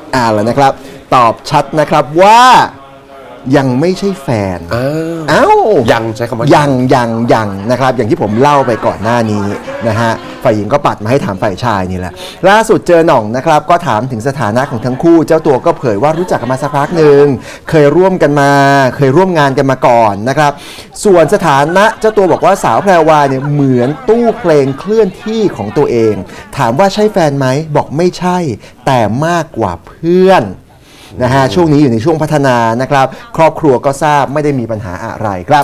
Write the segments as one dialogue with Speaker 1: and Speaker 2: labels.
Speaker 1: แล้วนะครับตอบชัดนะครับว่ายังไม่ใช่แฟน
Speaker 2: ยังใช้คำว่า
Speaker 1: ยังนะครับอย่างที่ผมเล่าไปก่อนหน้านี้นะฮะฝ่ายหญิงก็ปัดมาให้ถามฝ่ายชายนี่แหละล่าสุดเจอหน่องนะครับก็ถามถึงสถานะของทั้งคู่เจ้าตัวก็เผยว่ารู้จักกันมาสักพักหนึ่งเคยร่วมงานกันมาก่อนนะครับส่วนสถานะเจ้าตัวบอกว่าสาวแพรวาเนี่ยเหมือนตู้เพลงเคลื่อนที่ของตัวเองถามว่าใช่แฟนไหมบอกไม่ใช่แต่มากกว่าเพื่อนนะฮะช่วงนี้อยู่ในช่วงพัฒนานะครับครอบครัวก็ทราบไม่ได้มีปัญหาอะไรครับ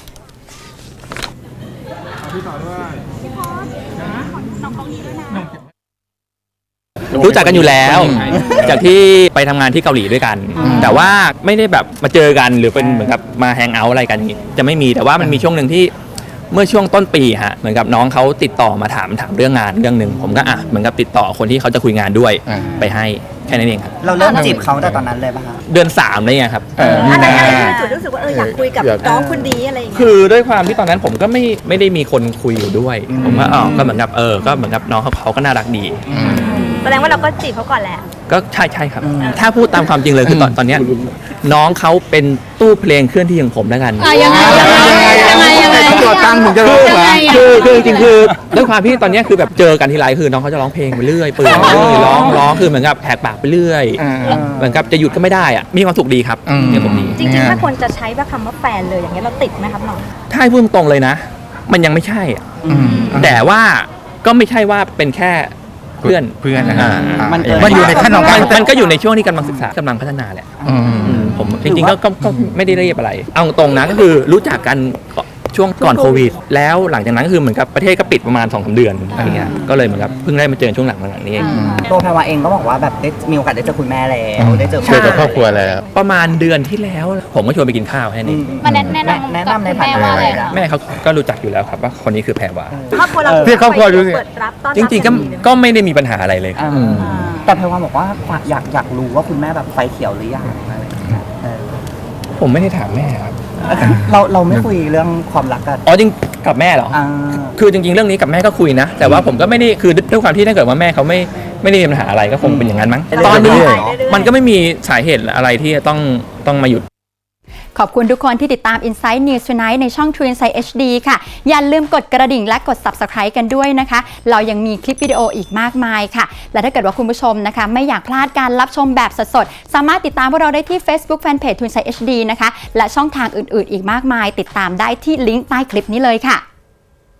Speaker 3: รู้จักกันอยู่แล้วจากที่ไปทำงานที่เกาหลีด้วยกันแต่ว่าไม่ได้แบบมาเจอกันหรือเป็นเหมือนกับมาแฮงเอาท์อะไรกันจะไม่มีแต่ว่ามันมีช่วงหนึ่งที่เมื่อช่วงต้นปีฮะเหมือนกับน้องเขาติดต่อมาถามเรื่องงานเรื่องหนึ่งผมก็เหมือนกับติดต่อคนที่เขาจะคุยงานด้วยไปให้แค่นั้นเองครับ
Speaker 4: เราเริ่มจีบเขาแต่ตอนนั้นเลยป่ะคะ
Speaker 3: เดือน3เลยครับ
Speaker 5: อะไรที่จุดรู้สึกว่าอยากคุยกับน้องคนนี้อะไรอย่างเงี้ย
Speaker 3: คือด้วยความที่ตอนนั้นผมก็ไม่ได้มีคนคุยอยู่ด้วยผมว่าก็เหมือนกับก็เหมือนกับน้องเขาก็น่ารักดี
Speaker 5: แสดงว่าเราก็จีบเขาก่อนแหละ
Speaker 3: ก็ใช่ครับถ้าพูดตามความจริงเลยคือตอนนี้น้องเขาเป็นตู้เพลงเคลื่อนที่ของผมแล้วกัน
Speaker 5: ยังไง
Speaker 1: ตัวตั้งถึงจะรู้ว่า
Speaker 3: คือจริงๆคือด้วยความที่ตอนนี้คือแบบเจอกันทีไรคือน้องเขาจะร้องเพลงไปเรื่อยเปื่อยร้องคือเหมือนกับแหกปากไปเรื่อยเหมือนกับจะหยุดก็ไม่ได้อะมีความสุขดีครับมีความสุขดี
Speaker 5: จริงๆถ้าคนจะใช้ว่าคำว่าแฟนเลยอย่างเงี้ยเราติดไหมครับน้อง
Speaker 3: ถ้าให้พูดตรงเลยนะมันยังไม่ใช่แต่ว่าก็ไม่ใช่ว่าเป็นแค่เพื่อน
Speaker 4: มันอยู่ในขั้นของ
Speaker 3: มันก็อยู่ในช่วงที่กำลังศึกษากำลังพัฒนาแหละผมจริงๆก็ไม่ได้เรียบอะไรเอาตรงนะก็คือรู้จักกันช่วงก่อนโควิดแล้วหลังจากนั้นก็คือเหมือนกับประเทศก็ปิดประมาณ 2-3 เดือนอะไรเงี้ยก็เลยเหมือนกับเพิ่งได้มาเจอช่วงหลังนี้เอง
Speaker 4: ตัวแพรวาเองก็บอกว่าแบบได้มีโอกาสได้เจอคุณแม่แล้วได้เจอ
Speaker 2: ครอบครัวแล้ว
Speaker 3: ประมาณเดือนที่แล้วผมก็ชวนไปกินข้าวแค่นี้
Speaker 5: มาแนะนำในฐานะอะไร
Speaker 3: แม่เขาก็รู้จักอยู่แล้วครับว่าคนนี้คือแพรวา
Speaker 5: ครอบครัวเรา
Speaker 2: ครอบครัวดูสิ
Speaker 3: จริงๆก็ไม่ได้มีปัญหาอะไรเลย
Speaker 4: แต่แพรวาบอกว่าอยากรู้ว่าคุณแม่แบบไฟเขียวหรือยัง
Speaker 3: ผมไม่ได้ถามแม่ครับ
Speaker 4: เราไม่คุยเรื่องความรักกัน
Speaker 3: จริงกับแม่เหรอคือจริงๆเรื่องนี้กับแม่ก็คุยนะแต่ว่าผมก็ไม่ได้คือด้วยความที่ถ้าเกิดว่าแม่เขาไม่ได้มีปัญหาอะไรก็คงเป็นอย่างนั้นมั้งตอนนี้มันก็ไม่มีสาเหตุอะไรที่จะต้องมาหยุด
Speaker 6: ขอบคุณทุกคนที่ติดตาม Inside News Tonight ในช่อง True Insight HD ค่ะอย่าลืมกดกระดิ่งและกด Subscribe กันด้วยนะคะเรายังมีคลิปวิดีโออีกมากมายค่ะและถ้าเกิดว่าคุณผู้ชมนะคะไม่อยากพลาดการรับชมแบบสดๆสามารถติดตามพวกเราได้ที่ Facebook Fanpage True Insight HD นะคะและช่องทางอื่นๆอีกมากมายติดตามได้ที่ลิงก์ใต้คลิปนี้เลยค่ะ